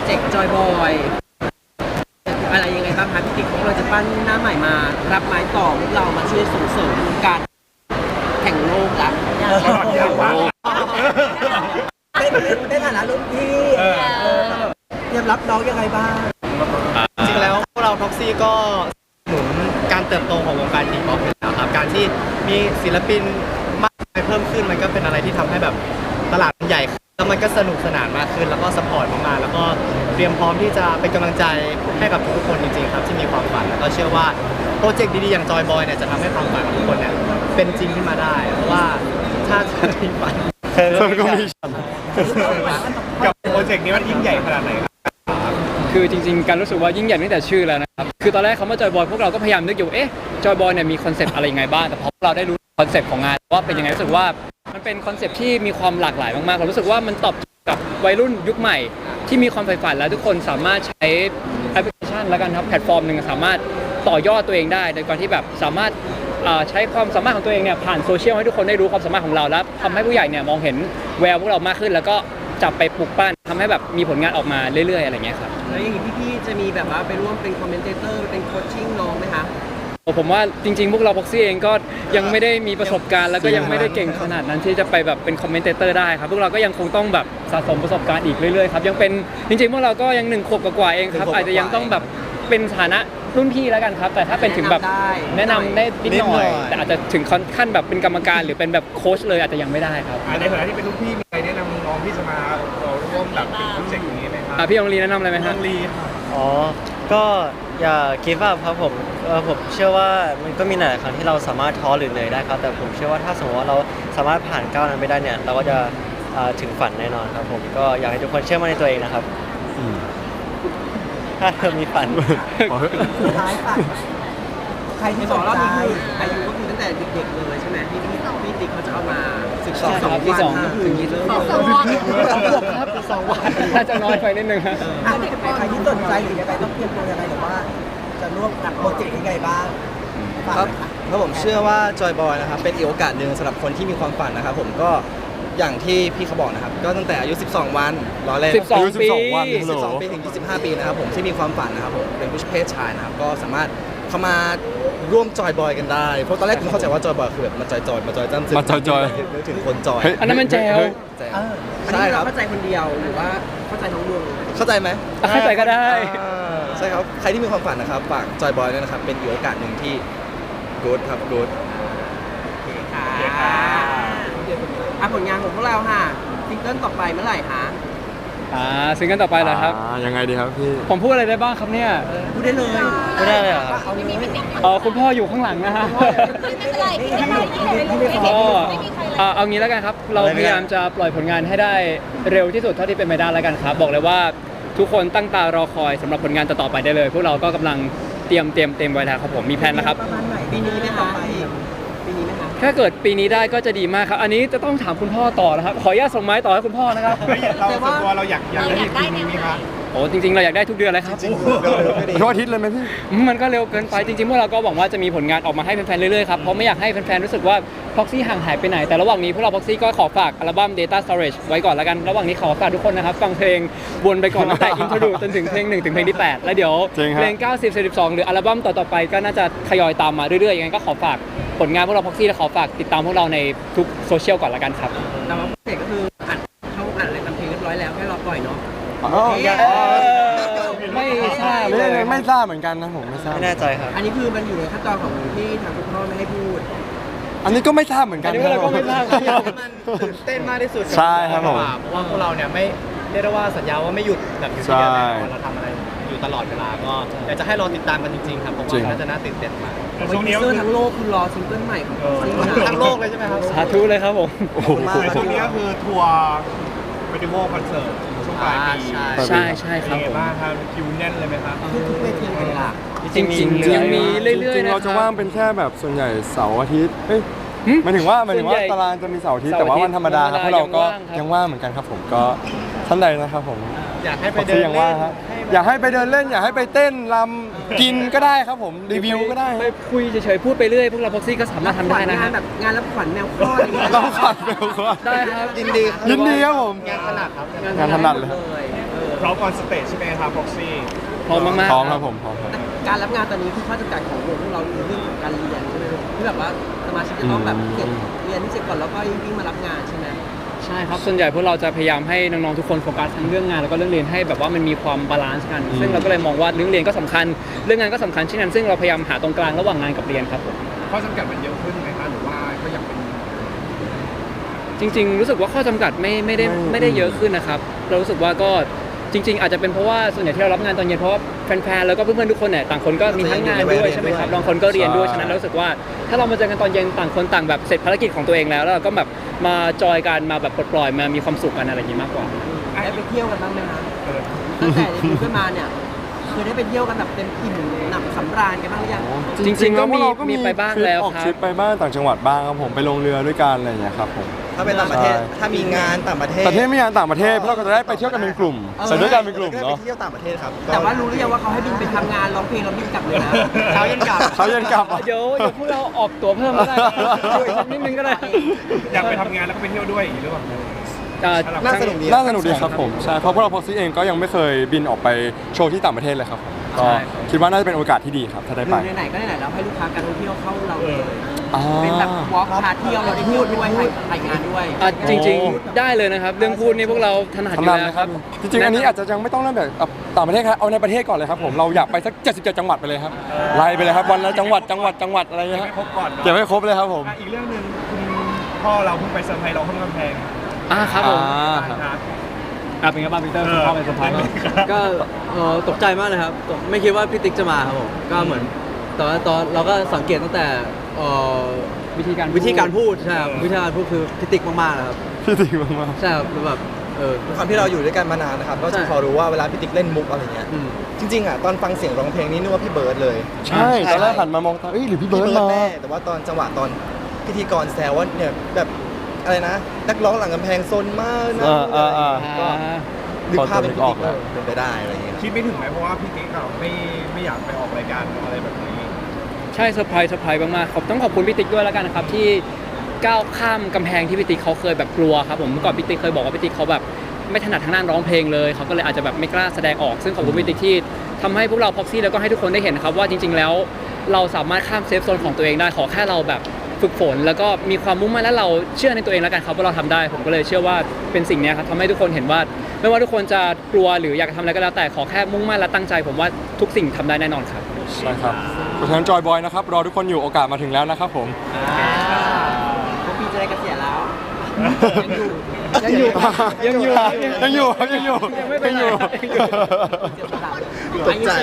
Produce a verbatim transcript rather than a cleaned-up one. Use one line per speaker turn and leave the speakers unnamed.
จกต์จอยบอยอะไรยังไงบ้างคะพี่ติ๊กของเราจะปั้นหน้าใหม่มารับไม้ต่อพวกเรามาช่วยส่งเสริมการแข่งโลกละ
เป็นในฐานะรุ่นพี่เตรียมรับน้องยังไงบ้าง
จริงๆแล้วพวกเราท็อกซี่ก็หนุนการเติบโตของวงการทีป๊อปอยู่แล้วครับการที่มีศิลปินมากมายเพิ่มขึ้นมันก็เป็นอะไรที่ทำให้แบบตลาดมันใหญ่ขึ้นแล้วมันก็สนุกสนานมากขึ้นแล้วก็สปอร์ตมากๆแล้วก็เตรียมพร้อมที่จะเป็นกำลังใจให้กับทุกคนจริงๆครับที่มีความฝันแล้วก็เชื่อว่าโปรเจกต์ดีๆอย่างจอยบอยเนี่ยจะทำให้ความฝันของทุกคนเนี่ยเป็นจริงขึ้นมาได้เพราะว่าถ้าถ้าทีฝัน
ก็มี
กับโปรเจกต์นี้มันยิ่งใหญ่ขนาดไหนครับ
คือจริงๆการรู้สึกว่ายิ่งใหญ่ตั้งแต่ชื่อแล้วนะครับคือตอนแรกคำว่าจอยบอยพวกเราก็พยายามนึกอยู่เอ๊ะจอยบอยเนี่ยมีคอนเซปต์อะไรยังไงบ้างแต่พอเราได้รู้คอนเซปต์ของงานว่าเป็นยังไงรู้สึกว่ามันเป็นคอนเซปต์ที่มีความหลากหลายมากๆเรารู้สึกว่ามันตอบกับวัยรุ่นยุคใหม่ที่มีความใฝ่ฝันและทุกคนสามารถใช้แอปพลิเคชันแล้วกันครับแพลตฟอร์มหนึ่งสามารถต่อยอดตัวเองได้โดยการที่แบบสามารถใช้ความสามารถของตัวเองเนี่ยผ่านโซเชียลให้ทุกคนได้รู้ความสามารถของเราและทำให้ผู้ใหญ่เนี่ยมองเห็นแววพวกเรามากขึ้นแล้วก็จับไปปลุกปั้นทำให้แบบมีผลงานออกมาเรื่อยๆอะไรเงี้ยครับ
แล้วอย่างนี้พี่ๆจะมีแบบว่าไปร่วมเป็นคอมเมนเตเตอร์เป็นโคชชิ่งน้องไหมคะ
ผมว่าจริงๆพวกเราพ็อกซี่เองก็ยังไม่ได้มีประสบการณ์แล้วก็ยังไม่ได้เก่งขนาดนั้นที่จะไปแบบเป็นคอมเมนเตเตอร์ได้ครับพวกเราก็ยังคงต้องแบบสะสมประสบการณ์อีกเรื่อยๆครับยังเป็นจริงๆพวกเราก็ยังหนึ่งขวบกว่าๆเองครับอาจจะยังต้องแบบเป็นฐานะรุ่นพี่แล้วกันครับแต่ถ้าเป็นถึงแบบแนะนำได้นิดหน่อยแต่อาจจะถึงขั้นแบบเป็นกรรมการหรือเป็นแบบโค้ชเลยอาจจะยังไม่ได้ครับ
ในฐานะที่เป็นลูกพี่มีใครแนะนำน้องที่จะมาร่วมแบบเป็นโปรเจกต์อย่างนี้ไหมครับ
พี่องลีแนะนำอะไรไหมครับ
น้องลี
อ๋อ ก็อย่าคิดว่าครับผมเออผมเชื่อว่ามันก็มีหลายครั้งที่เราสามารถท้อหรือเหนื่อยได้ครับ แต่ผมเชื่อว่าถ้าสมมติว่าเราสามารถผ่านก้าวนั้นไปได้เนี่ย เราก็จะถึงฝันแน่นอนครับผม ก็อยากให้ทุกคนเชื่อมั่นในตัวเองนะครับ ถ้าเธอมีฝัน
สุดท้ายฝากใครที่
ส
ส
อน งรอบ
ใจ
นี้คืออายุก็คือตั้งแต่เด็กๆเลยใช่ไหมที่พี่พี่ติ๊กเขาจะเอามาศึกษา
ใช่ครับ
วั
ที่สอง
ก็คือ
ถึงยี่สิบ
เริ่ม
สอง
เลย
สองขวบครับสองวันน่าจะน้อยไปนิดนึงครับ
อ่ะใครที่สนใจหรือยังไงต้องเตรียมตัวยังไงหรือว่า จะร่วมกับโปรเจกต์ยังไงบ้างฝาก
ครับ
หน่อยค่ะ
แล้วผมเชื่อว่าจอยบอยนะครับเป็นอีกโอกาสหนึ่งสำหรับคนที่มีความฝันนะครับผมก็อย่างที่พี่เขาบอกนะครับก็ตั้งแต่อายุ สิบสอง วันรอเล่น
สิบสองปี
สิบสองปีถึงยี่สิบห้าปีนะครับผมที่มีความฝันนะครับผมเป็นผู้เพศชายนะครับก็สามารถเข้ามาร่วมจอยบอยกันได้เพราะตอนแรกผมเข้าใจว่าจอยบอยคือแบบมาจอยจอยมาจอยจ้ำซึ้ง
มาจอยๆ
นึกถึงคนจอย
อันนั้นมันแจว
แจ๋ว
เออ
อัน
ใช่
นี้
ค
เรา
รับ
เข้าใจคนเดียวหรือว่าเข้าใจทั้งวง
เข้าใจไหม
เข้าใจก็ได้
อ่าใช่ครับใครที่มีความฝันนะครับฝากจอยบอยด้วยนะครับเป็นอีกโอกาสหนึ่งที่ good ครับ good
ค่ะอ่ะผลงานของพวกเราค่ะซิงเกิลต่อไปเมื่อไหร่คะ
อ่าซิงเกิลต่อไปเหรอครับ
ยังไงดีครับพี่
ผมพูดอะไรได้บ้างครับเนี่ย
พูดได้เลย
ไม่ได้เลยเหรอครับ
เอาเลย
เออคุณพ่ออยู่ข้างหลังนะฮะ
ไม่เป็นไรพี่ไม่เป็นไร
ก็
ไม่มีใครเลย
เอ่อเอางี้แล้วกันครับ เราพยายามจะปล่อยผลงานให้ได้เร็วที่สุดเท่าที่เป็นไปได้แล้วกันครับ บอกเลยว่าทุกคนตั้งตารอคอยสำหรับผลงานต่อๆไปได้เลย พวกเราก็กำลังเตรียมเตรียมเตรียมไว้แล้วครับผมมีแผนนะครับ
ประมาณไหน
ปีนี้ไหมคะปีนี้ไหมคะ
ถ้าเกิดปีนี้ได้ก็จะดีมากครับ อันนี้จะต้องถามคุณพ่อต่อนะครับ ขออนุญาตส่งไม้ต่อให้คุณพ่อนะครับ
เราส่วนตัวเราอยากอยากได้ทีมนี้ไหมครับ
โอ้จริงๆเราอยากได้ทุกเดือนเลยครับ
ทุกอาทิตย์เลยไหมพี่
มันก็เร็วเกินไปจริงๆพวกเราก็หวังว่าจะมีผลงานออกมาให้แฟนๆเรื่อยๆครับเพราะไม่อยากให้แฟนๆรู้สึกว่า Proxy ห่างหายไปไหนแต่ระหว่างนี้พวกเรา Proxy ก็ขอฝากอัลบั้ม Data Storage ไว้ก่อนแล้วกันระหว่างนี้ขอฝากทุกคนนะครับฟังเพลงวนไปก่อนตั้งแต่ Intro จนถึงเพลงหนึ่งถึงเพลงที่แปดแล้วเดี๋ยว
จริงครับ
เพลงเก้าสิบ สิบสองหรืออัลบั้มต่อๆไปก็น่าจะทยอยตามมาเรื่อยๆยังไงก็ขอฝากผลงานพวกเรา Proxy และขอฝากติดตามพวกเราในทุกโซเชียลก่อนละกันครับ
แต่ว่าโปรเจกต์ก็คืออัดเข้าอัดอะไรทำเพลงเรียบร้อยแล้วแค่รอปล่อยเนาะ
อ๋อยัง
เออไม่ทราบเล
ไม่
ย
ไม่ไม่ทราบเหมือนกันนะผมไม่ทราบ
ไม่แน่ใจครับ
อันนี้คือมันอยู่ในขั้นตอนของที่ทางคุณพ่อไม่ให้พูด
อันนี้ก็ไม่ทราบเหมือนกั
อั
น
นนี้พวกเราก็ไม่ทราบครับ
มันตื่นเต้นมากที่สุด
ใช่ครับผม
เพราะว่าพวกเราเนี่ยไม่เรียกได้ว่าสัญญาว่าไม่หยุดแบบอยู่ที่เดียวแน่นอนเราทำอะไรอยู่ตลอดเวลาก็อยากจะให้รอติดตามกันจริงๆครับผมว่าน่าจะน่าตื่นเต้นมาก
ช่วงนี้เซอร์ทั้งโลกคือรอซิงเกิลใหม่ของ Proxy นะ
ทั้งโลกเลยใช่ไหมครับ
สาธุเลยครับผม
โอ้โห
ช่วงนี้ก็คือทัวร์เฟสติวัลคอนเสิร์ตช่วงปลายปี
ใช่ใช่ครับ
เป็นไง
ผม
บ้างครับคิวแน่นเลยไหมครับ
ทุกๆเวทีเลยล่ะ
จริงๆยังมีเรื่อยๆ
จริงๆ
นะค
เรา
บ
จะว่างเป็นแค่แบบส่วนใหญ่เสาร์อาทิตย์เฮ้ย
หึ
หมายถึงว่าหมายถึงว่า
ส่วนใหญ่
ตารางจะมีเสาร์อาทิตย์
เสาร์
แต่ว่า
อาทิตย์
วันธรรมดาครับ
วันธรรมดา
พวกเราก็
ยั
ยัง ง
ว่า
ว่าง
งครับ
เหมือนกันครับผมก็ท่านใดนะครับผม
อยากให้ไป
บอก
เดิ
ที่
น
ยัง
เล่
ว่าง
น
ฮะอยากให้ไปเดินเล่น อยากให้ไปเต้นรำกินก็ได้ครับผมรีวิวก็ได้
ไปคุยเฉยๆพูดไปเรื่อยพวกเราพ็อกซี่ก็สามารถทำได้นะ
งา
ฮะ
นแบบงานรับขวัญแมวคลอดอย่างเงี้ย
ต้องขัดเบลก็
ได้ครับ
ยินดีครับ
ยินดีครับผม
งานขนาดครับ
งานถนัดเลย
เออ
พร้อมออนสเตจใช่ไหมครับพ็อกซี่
พร้อมมากๆ
พร้อมครับผมพร้อมครับ
การรับงานตอนนี้คือข้อจำกัดของวงพวกเราคือเรื่องของการเรียนใช่ไหมที่แบบว่าสมาชิกจะต้องแบบเสร็จเรียนที่เสร็จก่อนแล้วก็ยิ่งมารับงานใช่ไหม
ใช่ครับส่วนใหญ่พวกเราจะพยายามให้น้องๆทุกคนโฟกัสทั้งเรื่องงานแล้วก็เรื่องเรียนให้แบบว่ามันมีความบาลานซ์กัน ซึ่งเราก็เลยมองว่าเรื่องเรียนก็สำคัญเรื่องงานก็สำคัญเช่นนั้นซึ่งเราพยายามหาตรงกลางระหว่างงานกับเรียนครับผม
ข้อจำกัดมันเยอะขึ้นไหมคะหรือว่าก็ยังเป็น
จริงๆ รู้สึกว่าข้อจำกัดไม่ไม่ได้
ไม่
ไม่ได้เยอะขึ้นนะครับ เรารู้สึกว่าก็จริง ๆ อาจจะเป็นเพราะว่าส่วนใหญ่ที่เรารับงานตอนเย็นเพราะว่าแฟนๆ แล้วก็เพื่อนๆ ทุกคนเนี่ยต่างคนก็มีทั้งงานด้วยใช่ไหมครับบางคนก็เรียนด้วยฉะนั้นเรารู้สึกว่าถ้าเรามาเจอกันตอนเย็นต่างคนต่างแบบเสร็จภารกิจของตัวเองแล้วแล้วเราก็แบบมาจอยกันมาแบบปลดปล่อยมามีความสุขกันอะไรอย่างนี้มากกว่า
ได้ไปเที่ยวกันบ้างไหมคะตั้งแต่ในยูขึ้นมาเนี่ยเคยได้ไปเที่ยวกันแบบเต็มอิ่มหนำสำราญกันบ้างหรือยัง
จริงๆ
แล้วพวกเราก็
มี
มี
ไปบ้าง
ทริป
แล้ว
ออก
ครับ
ทริปไปบ้างต่างจังหวัดบ้างครับผมไปลงเรือด้วยกันอะไรอย่างเงี้ยครับผม
ถ้าเป็นต่างประเทศ
ใช่
ถ้ามีงานต่างประเทศ
แต่ที่ไม่งานต่างประเทศพวกเราก็จะได้ไปเที่ยวกันเป็นกลุ่มไปด้วยกันเป็นกลุ่ม
ได้
เนาะ
ไปเที่ยวต่างประเทศครับ
แต่ว่ารู้หรือยังว่าเขาให้บินไปทำงานร้องเพลงแล้วบินกลับเลยนะ
เช้าเย็นกลับ
เช้าเย็นกลับอ่ะ
เดี๋ยวเดี๋ยวพวกเราออกตั๋วเพิ่มก็ได้ช่วยสักนิดนึงก็ได้
อยากไปทำงานแล้วก็ไปเที่ยวด้วยอย่างนี้หรือเปล่า
อ่า
น่าสนุกดี
น่าสนุกดีครับผมใช่เพราะพวกเราพ็อกซี่เองก็ยังไม่เคยบินออกไปโชว์ที่ต่างประเทศเลยครับก็คิดว่าน่าจะเป็นโอกาสที่ดีครับถ้าได้
ห
ไป
รือไหนๆก็ไหนๆแล้วให้ลูกค้าการท่องเที่ยวเข้าเราเลย
อ่า
เป็นแบบวอล์กพาเที่ยวเราได้พูดด้วยถ่ายถ่ายงานด้วย
อ่ะจริงๆ ได้เลยนะครับ เรื่องพูดนี่พวกเราถนัดอยู่
ทำนาน
แล้ว
นะ
ค
ค
รั
รับ บจริงๆอันนี้อาจจะยังไม่ต้องเริ่มแบบต่างประเทศครับเอาในประเทศก่อนเลยครับผมเราอยากไปสักเจ็ดสิบเจ็ดจังหวัดไปเลยครับไล่ไปเลยครับวันละจังหวัดจังหวัดจังหวัดอะไรเงี้ย
ไม่ครบก่อน
เก็บให้ครบเลยครับผม
อีกเรื่องหนึ่งคุณพ่อเราเพิ่งไปเซอร์ไพรส์เราข้างกำแพง
อ่าครับผม
อ่าครับ
ครับ
อ่ะเป็นไงบ้างพีเตอร์คุณพ่อเป็นสะพาย
ก็เอ่อตกใจมากเลยครับตกไม่คิดว่าพี่ติ๊กจะมาครับผมก็เหมือนตอนตอนเราก็สังเกตตั้งแต่เอ่อ
วิธีการ
วิธีการพูดใช่ครับวิธีการพูดคือพี่ติ๊กมากๆนะครับ
พี่ติ๊กมาก
ใช่ครับคือแบบเออ
ความที่เราอยู่ด้วยกันมานานนะครับก็
ใช่
จะพอรู้ว่าเวลาพี่ติ๊กเล่นมุกอะไรเงี้ย
อืม
จริงๆอ่ะตอนฟังเสียงร้องเพลงนี่นึกว่าพี่เบิร์ดเลย
ๆใช่ตอนแรกหันมามองตาเอ้ยหรือพี่เบิร์ดมา
แน่แต่ว่าตอนจังหวะตอนพิธีกรแซวว่าเนี่ยแบบอะไรนะนักร้องหลังกำแพงซนมากนะ
อ่าอ่าอ่า
ก็
อ่า
นึกภาพเป็นพี่
พอ
ติ๊ก
จะนึกออกแล้ว
เป็นไปได้อะไรเงี้ย
คิดไม่ถึงไหมเพราะว่าพี่ติ๊กเราไม่ไม่อยากไปออกรายการอะไรแบบนี้
ใช่เซอร์ไพรส์เซอร์ไพรส์มากๆขอบต้องขอบคุณพี่ติ๊กด้วยแล้วกันนะครับที่ก้าวข้ามกำแพงที่พี่ติ๊กเขาเคยแบบกลัวครับผมเมื่อก่อนพี่ติ๊กเคยบอกว่าพี่ติ๊กเขาแบบไม่ถนัดทางด้านร้องเพลงเลยเขาก็เลยอาจจะแบบไม่กล้าแสดงออกซึ่งขอบคุณพี่ติ๊กที่ทำให้พวกเราพ็อกซี่แล้วก็ให้ทุกคนได้เห็นครับว่าจริง ๆ แล้วเราสามารถข้ามเซฟโซนของตัวเองได้ขอแค่เราแบบฝึกฝน แล้วก็มีความมุ่งมั่นและเราเชื่อในตัวเองแล้วกันครับว่าเราทำได้ผมก็เลยเชื่อว่าเป็นสิ่งเนี้ยครับทำให้ทุกคนเห็นว่า ไม่ว่าทุกคนจะกลัวหรืออยากจะทำอะไรก็แล้วแต่ขอแค่มุ่งมั่นและตั้งใจ ผมว่าทุกสิ่งทำได้แน่นอนครับ
ใช่ครับเพราะฉะนั้นจอยบอยนะครับรอทุกคนอยู่โอกาสมาถึงแล้วนะครับผม
พวกพี่จะได้เกษียณแล้ว
ยังอยู่ยังอยู่
ยังอยู่ครับยังอยู่
ยังไม่เป็นไร
ยังอยู่
เจ็บสะ
ตกใจ